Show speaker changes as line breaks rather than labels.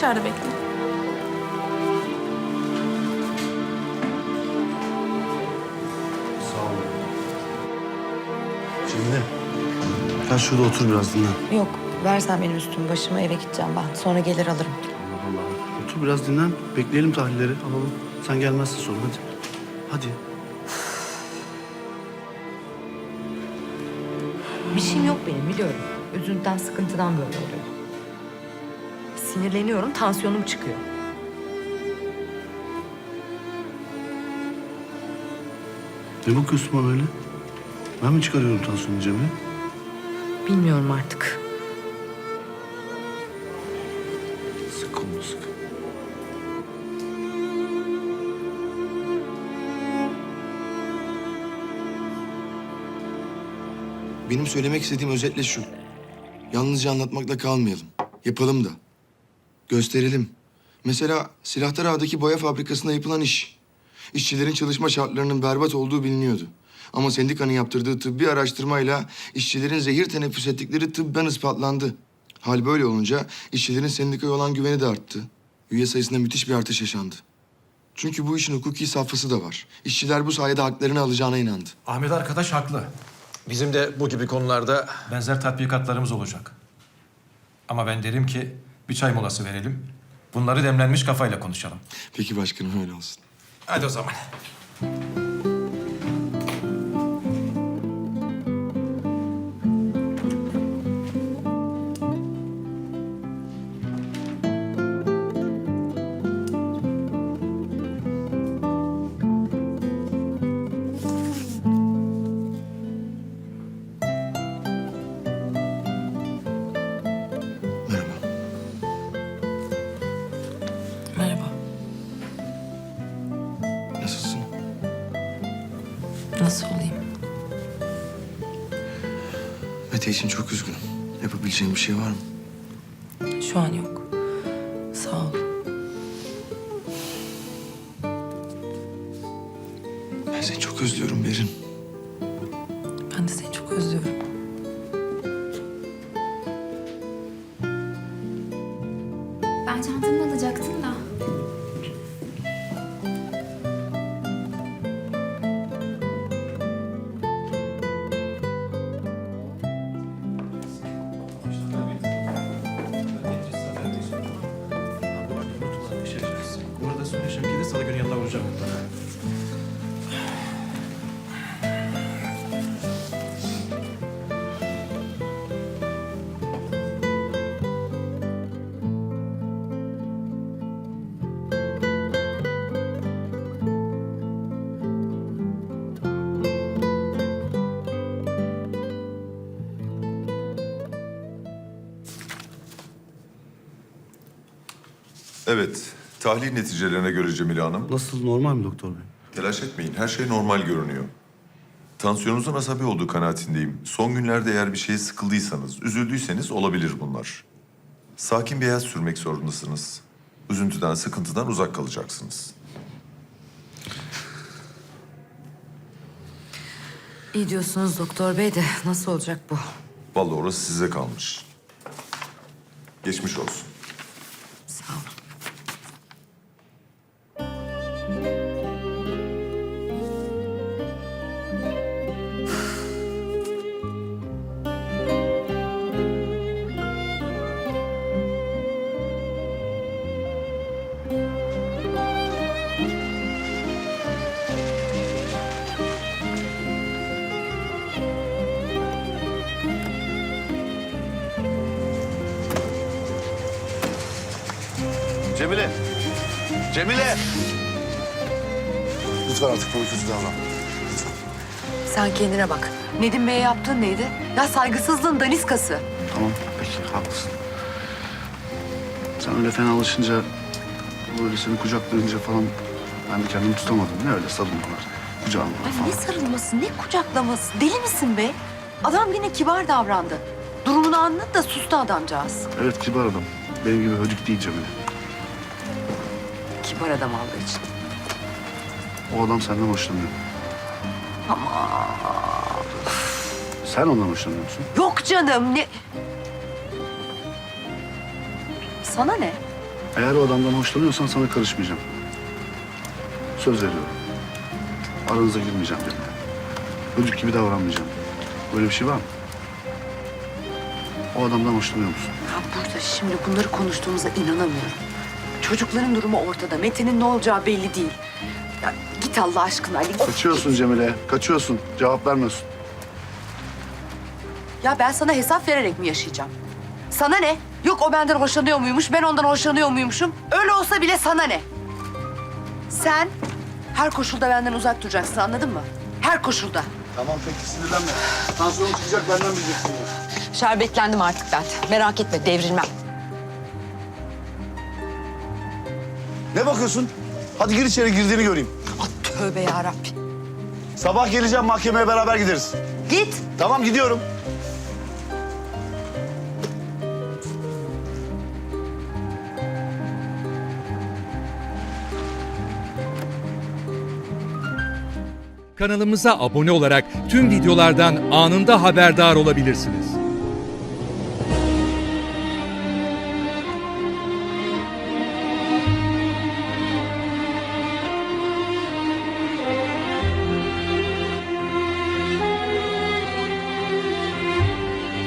dışarıda bekleyin.
Sağ ol. Cemile. Gel şurada otur biraz dinlen.
Yok, versen benim üstümü başımı, eve gideceğim ben. Sonra gelir alırım.
Allah Allah. Otur biraz dinlen. Bekleyelim tahlilleri alalım. Sen gelmezsin sonra hadi. Hadi.
Bir şeyim yok benim, biliyorum. Üzüntüden, sıkıntıdan böyle oluyor. Sinirleniyorum, tansiyonum çıkıyor.
Ne bakıyorsun bana öyle? Ben mi çıkarıyorum tansiyonu Cemile?
Bilmiyorum artık.
Sık kolunu sık.
Benim söylemek istediğim özetle şu. Yalnızca anlatmakla kalmayalım. Yapalım da. Gösterelim. Mesela Silahtar Ağa'daki boya fabrikasında yapılan iş. İşçilerin çalışma şartlarının berbat olduğu biliniyordu. Ama sendikanın yaptırdığı tıbbi araştırmayla işçilerin zehir teneffüs ettikleri tıbben ispatlandı. Hal böyle olunca işçilerin sendikaya olan güveni de arttı. Üye sayısında müthiş bir artış yaşandı. Çünkü bu işin hukuki safhası da var. İşçiler bu sayede haklarını alacağına inandı.
Ahmet arkadaş haklı.
Bizim de bu gibi konularda
Benzer tatbikatlarımız olacak. Ama ben derim ki bir çay molası verelim. Bunları demlenmiş kafayla konuşalım.
Peki başkanım öyle olsun.
Hadi o zaman.
Merhaba.
Merhaba.
Nasılsın?
Nasıl olayım?
Mete için çok üzgünüm. Yapabileceğim bir şey var mı?
Şu an yok. Sağ ol.
Ben seni çok özlüyorum Berin.
Ben de seni çok özlüyorum.
Ben çantamı alacaktım da.
Bunu da söyle Şevki'de salı günü yanına vuracağım.
Evet, tahlil neticelerine göre Cemile Hanım,
Nasıl normal mi doktor bey?
telaş etmeyin. Her şey normal görünüyor. Tansiyonunuzun asabi olduğu kanaatindeyim. Son günlerde eğer bir şeye sıkıldıysanız, üzüldüyseniz olabilir bunlar. Sakin bir hayat sürmek zorundasınız. Üzüntüden, sıkıntıdan uzak kalacaksınız.
İyi diyorsunuz doktor bey de nasıl olacak bu?
Vallahi orası size kalmış. Geçmiş olsun.
Sağ olun.
Cemile! Cemile! Lütfen artık böyle kötü davranma. Lütfen.
Sen kendine bak. Nedim Bey'e yaptığın neydi? Ya saygısızlığın daniskası.
Tamam, peki haklısın. Sen öyle fenalaşınca, böyle seni kucaklayınca falan ben de kendimi tutamadım. Ne öyle sarılmalar, kucağılmalar
Ay
falan.
ne sarılması, ne kucaklaması? Deli misin be? Adam yine kibar davrandı. Durumunu anladı da sustu adamcağız.
Evet, kibar adam. Benim gibi hödük değil Cemile.
Kibar adam Allah için.
O adam senden hoşlanıyor.
Ama
Sen ondan hoşlanıyor musun?
yok canım ne... Sana ne?
Eğer o adamdan hoşlanıyorsan sana karışmayacağım. Söz veriyorum. Aranıza girmeyeceğim Cemile. Çocuk gibi davranmayacağım. Böyle bir şey var mı? O adamdan hoşlanıyor musun?
Ya burada şimdi bunları konuştuğumuza inanamıyorum. Çocukların durumu ortada. Mete'nin ne olacağı belli değil. Ya git Allah aşkına Ali.
Kaçıyorsun Cemile, kaçıyorsun. Cevap vermiyorsun.
Ya ben sana hesap vererek mi yaşayacağım? Sana ne? Yok o benden hoşlanıyor muymuş, ben ondan hoşlanıyor muymuşum? Öyle olsa bile sana ne? Sen her koşulda benden uzak duracaksın, anladın mı? Her koşulda.
Tamam peki, sinirlenme. Tansiyonun çıkacak, benden bileceksin.
Şerbetlendim artık ben. Merak etme, devrilmem.
Ne bakıyorsun? Hadi gir içeri, girdiğini göreyim.
Ah, tövbe yarabbim.
Sabah geleceğim, mahkemeye beraber gideriz.
Git.
Tamam, gidiyorum.
Kanalımıza abone olarak tüm videolardan anında haberdar olabilirsiniz.